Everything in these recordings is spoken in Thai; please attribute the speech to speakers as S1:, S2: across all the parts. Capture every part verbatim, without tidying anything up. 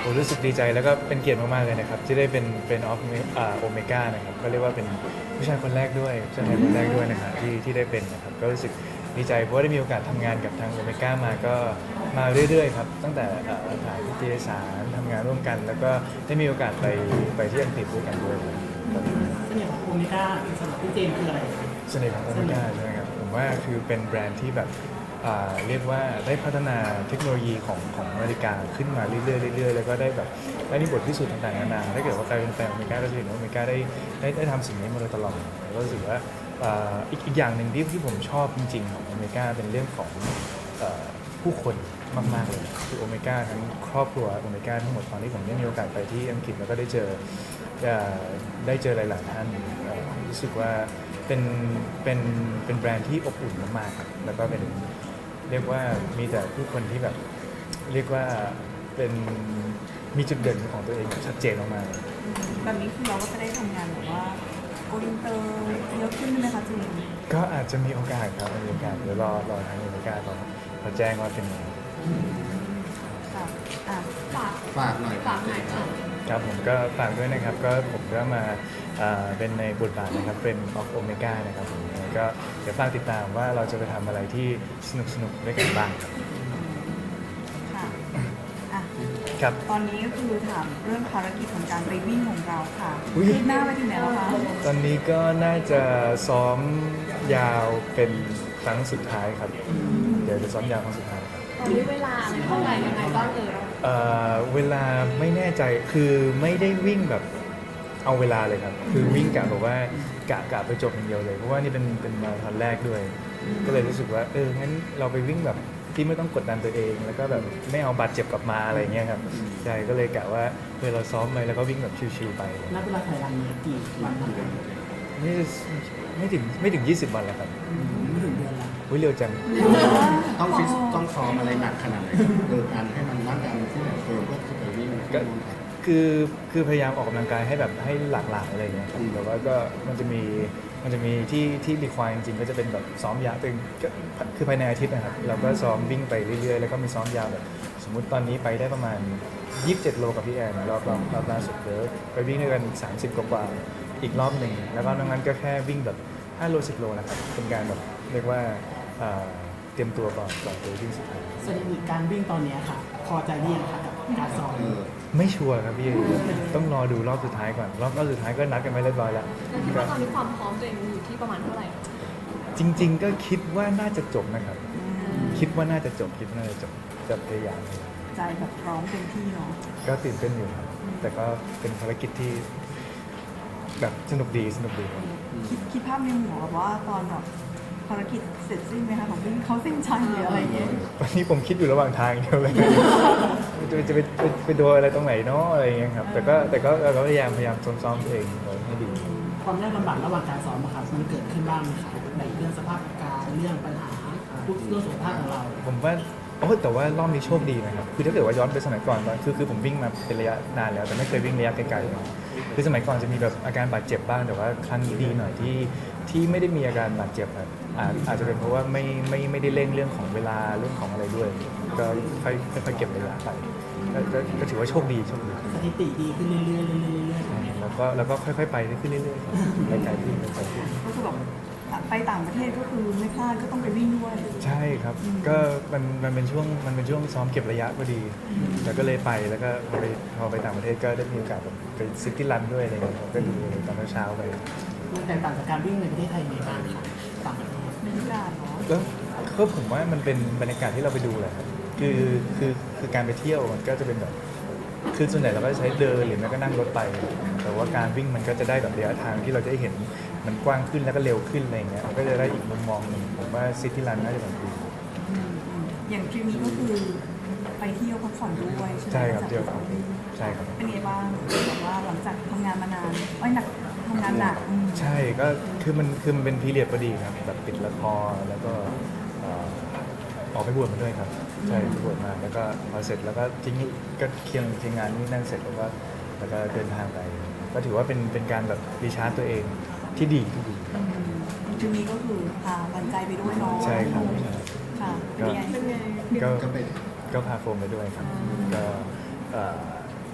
S1: ผมรู้สึกดีใจแล้วก็เป็นเกียรติมากๆเลยนะครับที่ได้เป็นเป็นออฟโอเมก้านะครับก็เรียกว่าเป็นผู้ชายคนแรกด้วยผู้ชายคนแรกด้วยนะครับที่ที่ได้เป็นนะครับก็รู้สึกดีใจเพราะว่าได้มีโอกาสทำงานกับทางโอเมก้ามาก็มาเรื่อยๆครับตั้งแต่เอ่อถ่ายนิตยสารทำงานร่วมกัน แล้วก็ได้มีโอกาสไปไปที่อังกฤษด้วยกันด้วยครับ
S2: เสน่ห์ของโอเมก้าสำหรับพี่เจมส์คืออะไรครับ
S1: เสน่ห์ของโอเมก้าใช่ไหมครับผมว่าคือเป็นแบรนด์ที่แบบอ่าเรียกว่าได้พัฒนาเทคโนโลยีของของนาฬิกาขึ้นมาเรื่อยๆเรื่อยๆแล้วก็ได้แบบได้มีบทพิสูจน์ต่างๆนานาถ้าเกิดว่าใครเป็นแฟนโอเมก้าก็จะเห็นว่าโอเมก้าได้ได้ได้ทำสิ่งนี้มาโดยตลอดแล้วก็รู้สึกว่าอ่าอีกอีกอย่างหนึ่งที่ที่ผมชอบจริงๆของโอเมก้าเป็นเรื่องของเอ่อผู้คนมากๆเลยคือโอเมก้าทั้งครอบครัวโอเมก้าทั้งหมดตอนที่ผมได้มีโอกาสไปที่อังกฤษแล้วก็ได้เจอเอ่อได้เจอหลายๆท่านเอ่อรู้สึกว่าเป็นเป็นเป็นแบรนด์ที่อบอุ่นมากๆครับแล้วก็เป็นเรียกว่ามีแต่ผู้คนที่แบบเรียกว่าเป็นมีจุดเด่นของตัวเองชัดเจนมากๆ
S3: แบบนี้คือเราก็จะได้ทำงานแบบว่าโกอินเตอร์เยอะขึ้นไหมคะเจมส์
S1: ก็อาจจะมีโอกาสครับมีโอกาสเดี๋ยวรอรอทางอเมริกาเขาเขาแจ้งว่าเป็นยังไง
S3: ค่ะอ่ะ
S4: ฝาก
S5: ฝากหน่อย
S4: ฝากหน่อยค่ะ
S1: ครับผมก็ฝากด้วยนะครับก็ผมก็มาอ่าเป็นในบทบาทนะครับเป็นออฟโอเมก้านะครับผมยังไงก็เดี๋ยวฝากติดตามว่าเราจะไปทำอะไรที่สนุกสนุกๆด้วยกันบ้างครับ
S3: ค่ะอ่ะ
S1: ครับ
S3: ตอนนี้ก็คือถามเรื่องภารกิจของการไปวิ่งของเราค่ะ
S1: อุ๊ย
S3: คืบหน้าไปถึงไหนแล้วคะ
S1: ตอนนี้ก็น่าจะซ้อมยาวเป็นครั้งสุดท้ายครับ เดี๋ยวจะซ้อมยาวครั้งสุดท้ายครับ
S4: ตอนนี้เวลาเท่าไหร่ยังไงบ้างเอ่ย
S1: เอ่อเวลาไม่แน่ใจคือไม่ได้วิ่งแบบเอาเวลาเลยครับ คือวิ่งกะแบบว่ากะกะไปจบอย่างเดียวเลยเพราะว่านี่เป็นเป็นมาราธอนแรกด้วย ก็เลยรู้สึกว่าเอองั้นเราไปวิ่งแบบที่ไม่ต้องกดดันตัวเอง แล้วก็แบบไม่เอาบาดเจ็บกลับมาอะไรเงี้ยครับใช่ก็เลยกะว่าเออเราซ้อมไปแล้วก็วิ่งแบบชิวๆไป
S2: นับเวลาถ่ายรันนี้กี่วันทำงาน
S1: นี่ไม่ถึงไม่ถึงยี่สิบวันแล้วครับ
S2: ไม่ถึงเดือนละ
S1: วิเร็วจัง
S5: ต้องฟิตต้องซ้อมอะไรหนักขนาดไหนเกิดการให้มันร่างกายมันที่แบบเฟิร์มก็คือไปวิ่ง
S1: ก็ คือคือพยายามออกกำลังกายให้แบบให้หลากหลายอะไรเงี้ยครับ
S5: อืม
S1: แต่ว่าก็มันจะมีมันจะมีที่ที่รีควายจริงๆก็จะเป็นแบบซ้อมยาวตึงก็คือภายในอาทิตย์นะครับเราก็ซ้อมวิ่งไปเรื่อยๆแล้วก็มีซ้อมยาวแบบสมมุติตอนนี้ไปได้ประมาณยี่สิบเจ็ดโลกับพี่แอนรอบรอบรอบล่าสุดเดี๋ยวไปวิ่งด้วยกันสามสิบกว่าๆอีกรอบหนึ่งแล้วก็นอกนั้นก็แค่วิ่งแบบห้าโลสิบโลนะครับเป็นการแบบเรียกว่าเอ่อเตรียมตัวก่อนก่อนไปวิ่งสุดท้าย
S2: สถิติการวิ่งตอนเนี้ยค่ะ พอใจหรือยังคะกับการซ้อม
S5: เออ
S1: ไม่ชัวร์ครับพี่ต้องรอดูรอบสุดท้ายก่อนรอบรอบสุดท้ายก็นัดกันไว้เรียบร้อยแล้ว
S4: แล้วคิดว่าตอนนี้ความพร้อมตัวเองอยู่ที่ประมาณเท่าไหร่
S1: จริง ๆ ก็คิดว่าน่าจะจบนะครับ คิดว่าน่าจะจบคิดว่าน่าจะจบจะพยายาม
S3: ใจแบบพร้อมเต็มที่เนาะ
S1: ก็ตื่นเต้นอยู่ครับแต่ก็เป็นภารกิจที่แบบสนุกดีสนุกดีครับ
S3: คิดคิดภาพในหัวแบบว่าตอนแบบภารกิจเสร็จสิ้นไหมคะของวิ่งเขาเส้นชัยหรืออะไรอย่างเงี้ย
S1: วันนี้ผมคิดอยู่ระหว่างทางเดียวเลย จะจะไปไปไปโดนอะไรตรงไหนเนาะอะไรอย่างเงี้ยครับแต่ก็แต่ก็เราก็พยายามพยายามซ้อมๆตัวเองไว้ให้ดี
S2: ความยากลำบากระหว่างการซ้อมอะครับมันเกิดขึ้นบ้างไหมคะในเรื่องสภาพอากาศเรื่องปัญหาเรื่องสุขภาพของเรา
S1: ผมว่าโอ้แต่ว่ารอบนี้โชคดีนะครับคือถ้าเกิดว่าย้อนไปสมัยก่อนว่าคือคือผมวิ่งมาเป็นระยะนานแล้ว แต่ไม่เคยวิ่งระยะไกลๆนะคือสมัยก่อนจะมีแบบอาการบาดเจ็บบ้างแต่ว่าครั้งนี้ดีหน่อยที่ที่ไม่ได้มีอาการบาดเจ็บครับอาจอาจจะเป็นเพราะว่าไม่ไม่ไม่ได้เร่งเรื่องของเวลาเรื่องของอะไรด้วย ก็ค่อยค่อยๆเก็บระยะไปก็ก็ก็ถือว่าโชคดีโชคดี
S2: สถิติดีขึ้นเรื่อยๆเรื่อยๆเรื่อยๆอย่างเงี้ย
S1: แล้วก็แล้วก็ค่อยๆไปขึ้นเรื่อยๆครับไปไกลขึ้นไปไกลขึ้น
S3: ก็คือแบบไปต่างประเทศก็คือไม่พลาดก็ต้องไปวิ่งด้วย
S1: ใช่ครับ ก็มันมันเป็นช่วงมันเป็นช่วงซ้อมเก็บระยะพอดี แล้วก็เลยไปแล้วก็พอไปพอไปต่างประเทศก็ได้มีโอกาสแบบไปซิตี้รันด้วยอะไรเงี้ยผมก็ดูตอนเช้าๆไป
S2: มันแตกต่างจากการวิ่งในประเทศไทยยังไงบ้างคะต่างประเทศ
S3: บรรยากาศเนาะ
S1: แล้วก็ผมว่ามันเป็นบรรยากาศที่เราไปดูแหละครับคือคือคือการไปเที่ยวมันก็จะเป็นแบบคือส่วนใหญ่เราก็จะใช้เดินหรือไม่ก็นั่งรถไป แต่ว่าการวิ่งมันก็จะได้แบบระยะทางที่เราจะได้เห็นมันกว้างขึ้นแล้วก็เร็วขึ้นอะไรเงี้ยมันก็จะได้อีกมุมมองหนึ่งผมว่าซิตี้รันน่าจะแบบดี
S3: อืมอืมอย่างทริปนี้ก็คือไปเที่ยวพักผ่อนด้วยใช่ไหม
S1: ใช่ครับ
S3: จาก
S1: เที่ยวครับใช่ครับ
S3: เป็นไงบ้างแบบว่าหลังจากทำงานมานานไอ้ยหนักทำงานหนักอืม
S1: ใช่ก็คือมันคือมันเป็นพีเรียดพอดีครับแบบปิดละครแล้วก็เอ่อออกไปบวชมาด้วยครับใช่ไปบวชมาแล้วก็พอเสร็จแล้วก็ทิ้งก็เคียงเคียงงานนี่นั่นเสร็จแล้วก็แล้วก็เดินทางไป ก็ถือว่าเป็นเป็นการแบบรีชาร์จตัวเองที่ดีที่ดีครับ
S3: อืมทริปนี้ก็คือพาบันใจไปด้วยเนาะ
S1: ใช่ครับใช่
S3: ค่ะเป็นไง
S4: เป็นไง
S1: ก็
S5: ก็ไป
S1: ก็พาโฟมไปด้วยครับก็เอ่อ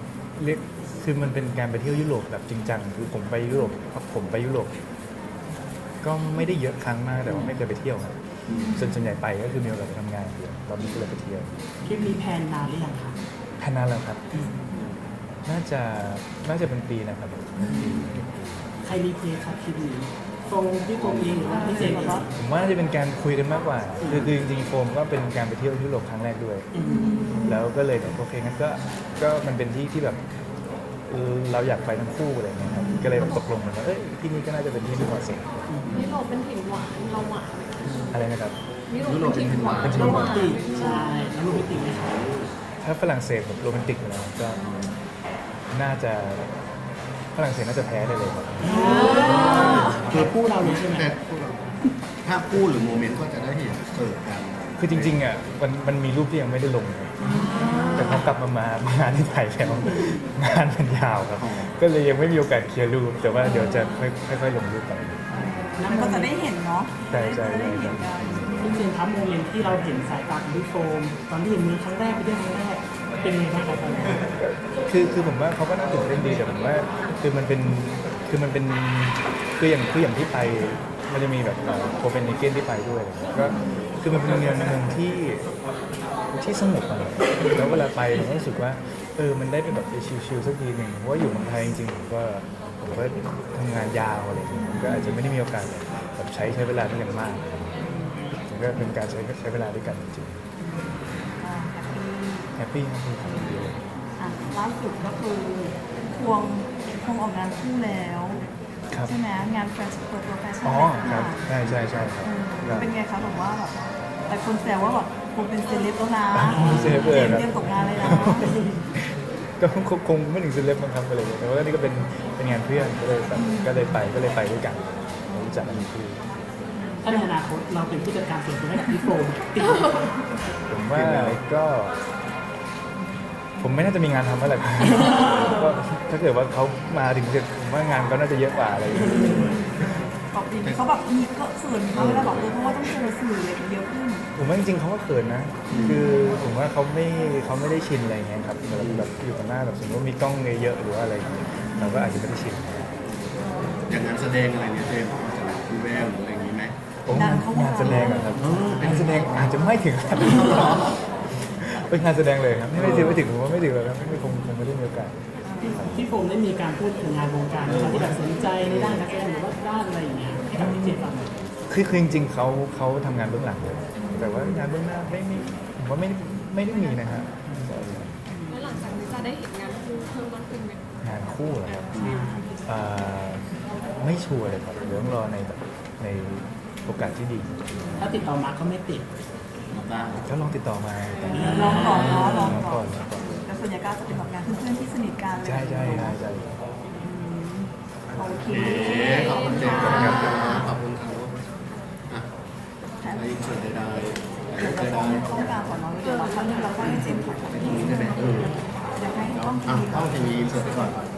S1: เรียกคือมันเป็นการไปเที่ยวยุโรปแบบจริงจังคือผมไปยุโรปผมไปยุโรปก็ไม่ได้เยอะครั้งมากแต่ว่าไม่เคยไปเที่ยวครับส่วนส่วนใหญ่ไปก็คือมีโอกาสไปทำงานเดียวเราไม่เคยไปเที่ยว
S2: ทริปนี้แพลนนานหรือยังคะ
S1: แค่นั้นแล้วครับ น่าจะน่าจะเป็นปีนะครับ
S2: ใครมีเพลงครับทริปนี้โฟมพี่โฟมเองหรือว่าพี่เจมส์ครับ
S1: ผมว่าน่าจะเป็นการคุยกันมากกว่า คือคือจริงๆโฟมก็เป็นการไปเที่ยวยุโรปครั้งแรกด้วย แล้วก็เลยแบบโอเคงั้นก็ก็มันเป็นที่ที่แบบเออเราอยากไปทั้งคู่อะไรเงี้ยครับก็เลยแบบตกลงกันว่าเอ้ยที่นี่ก็น่าจะเป็นที่ที่เหมาะสม
S4: ยุโรปเป็นถิ่นหวานเราหวานไหมคะ
S1: อะไรนะครับ
S4: ยุโรปเป็นถิ่นหวาน
S1: เป็นถิ่
S2: โร
S1: น
S2: แมนติกใช่แล้วโรแมนติกไหมคะ
S1: ถ้าฝรั่งเศสแบบโรแมนติกอยู่แล้วก็น่าจะฝรั่งเศสน่าจะแพ้ได้เลยครับ
S2: คือคู่เราเลยใช่ไหม
S5: แต่ถ้าคู่หรือโมเมนต์ก็จะได้เห็นเกิดกัน
S1: คือจริงๆอ่ะมันมันมีรูปที่ยังไม่ได้ลงครับแต่พอกลับมามางานที่ไทยแล้วงานมันยาวครับ ก็เลยยังไม่มีโอกาสเคลียร์รูปแต่ว่าเดี๋ยวจะค่อยค่อยๆลงรูปไป
S3: มันก็จะได้เห็นเนาะ
S1: ใช่ใช่
S3: จะได้เห็นกัน
S2: พี่เจมส์ครับโมเมนต์ที่เราเห็นสายตาของพี่โฟมตอนที่เห็นมือครั้งแรกไปเที่ยวครั้งแรกเป็นยังไงบ้างครับตอนนั้น
S1: คือคือผมว่าเขาก็น่าตื่นเต้นดีแต่ผมว่าคือมันเป็นคือมันเป็นคืออย่างคืออย่างที่ไปมันจะมีแบบโคเปนเฮเกนที่ไปด้วยอะไรเงี้ยก็คือมันเป็นเมืองเมืองที่ที่สงบอะแล้วเวลาไปผมก็รู้สึกว่าเออมันได้ไปแบบไปชิลๆสักทีหนึ่งเพราะว่าอยู่เมืองไทยจริงๆผมก็ผมก็ทำงานยาวอะไรอย่างเงี้ยผมก็อาจจะไม่ได้มีโอกาสแบบใช้ใช้เวลาด้วยกันมากมันก็เป็นการใช้ใช้เวลาด้วยกันจริง
S3: อ่าแฮปปี้
S1: ๆแฮปปี้ครับดีเลย
S3: อ่ะล่าสุดก็คือควงควงออกงานคู่แล้ว
S1: ครับ
S3: ใช่ไหมงานแฟชั่นเปิดตัวแฟชั่น
S1: อ๋อ
S3: แล
S1: ครับใช่ใช่ใช่ครับ
S3: เออ
S1: ครับ
S3: เป็นไงคะแบบว่าแบบแต่คนแซวว่าแบบคุณเป็นเซเลบแล้วนะ
S1: เซเลบเลยครับ
S3: เตรียมตกงานเลยนะ
S1: ก็คงคงไม่ถึงเซเลบมั้งครับอะไรอย่างเงี้ยแต่ว่านี่ก็เป็นเป็นงานเพื่อนก็เลยแบบก็เลยไปก็เลยไปด้วยกันรู้จักกันคือ
S2: ถ้าในอนาคตเราเป็นผู้จัดการส่วนตัวให้กับพี่โฟมติดไหมครับ
S1: ผมว่าก็ ผมไม่น่าจะมีงานทำเมื่อไหร่ ก็ถ้าเกิดว่าเขามาถึงจะผมว่างานก็น่าจะเยอะกว่าอะไรอย่างเงี้ย
S3: บอกดีเขาแบบมีก็เขินเขาเวลาบอกเลยเพราะว่าต้องเจอสื่ออะไรเยอะขึ้น
S1: ผมว่าจริงๆเขาก็เขินนะ คือผมว่าเขาไม่เขาไม่ได้ชินอะไรอย่างเงี้ยครับแบบแบบอยู่ต่อหน้าแบบสมมติว่ามีกล้องเยอะๆหรือว่าอะไรอย่างเงี้ยเราก็อาจจะไม่ได้ชิน
S5: อย่างงานแสดงอะไรเนี่ยเจมส์พอจะแบบมีแววหรืออะไรอย่างนี้ไหม
S1: โอ้งานแสดงอะครับงานแสดงอาจจะไม่ถึงขนาดนั้นเป็นงานแสดงเลยครับไม่ไม่ถึงไม่ถึงผมว่าไม่ถึงเลยครับไม่คงคงไม่ได้มีโอกาส
S2: พี่โฟมได้มีการพูดถึงงานวงการไหมครับที่แบบสนใจในด้านนักแสดงหรือว่าด้านอะไรอย่างเงี้ยให้กับพี่เจมส์ฟังหน่อย
S1: คือคือจริงๆเขาเขาทำงานเบื้องหลังเลยแต่ว่างานเบื้องหน้าไม่ไม่ผมว่าไม่ไม่ได้มีนะฮะ
S4: แล้วหลังจากนี้จะได้เห็นงานคู่เพิ่มมากขึ้นไหม
S1: งานคู่เหรอครับอ่าไม่ชัวร์เลยครับเดี๋ยวต้องรอในแบบในโอกาสที่ดี
S2: ถ้าติดต่อมาก็ไม่ติด
S5: มาบ้าง
S1: ก็ลองติดต่อมา
S3: ลองก่อนเนาะลอง
S1: ลอง
S3: ก่
S1: ก่
S3: อ
S1: อน นลองก่อน
S3: แต่ส่วนใหญ่ก็จะเป็นแบบงานเพื่อนๆที่สนิทกันเลย
S1: ใช่ใช่ใช่ใช่
S3: โอเค
S5: โอเคขอบคุณเจมส์ครับขอบคุณครับอ่ะอะไรอีกส่วนใดๆอะไร
S3: เรา
S5: ใด
S3: ต้องต้องการก่อนเนาะเดี๋ยวเราเข้าเรื่องเราก็ให้เจมส์ถอด
S5: ๆใช่ไหมเออ
S3: เดี๋ยวให้
S5: เอา
S3: ต้อง
S5: เอา
S3: ทีก่
S5: เข้า
S3: อน
S5: ทีวีส่วนไปก่อน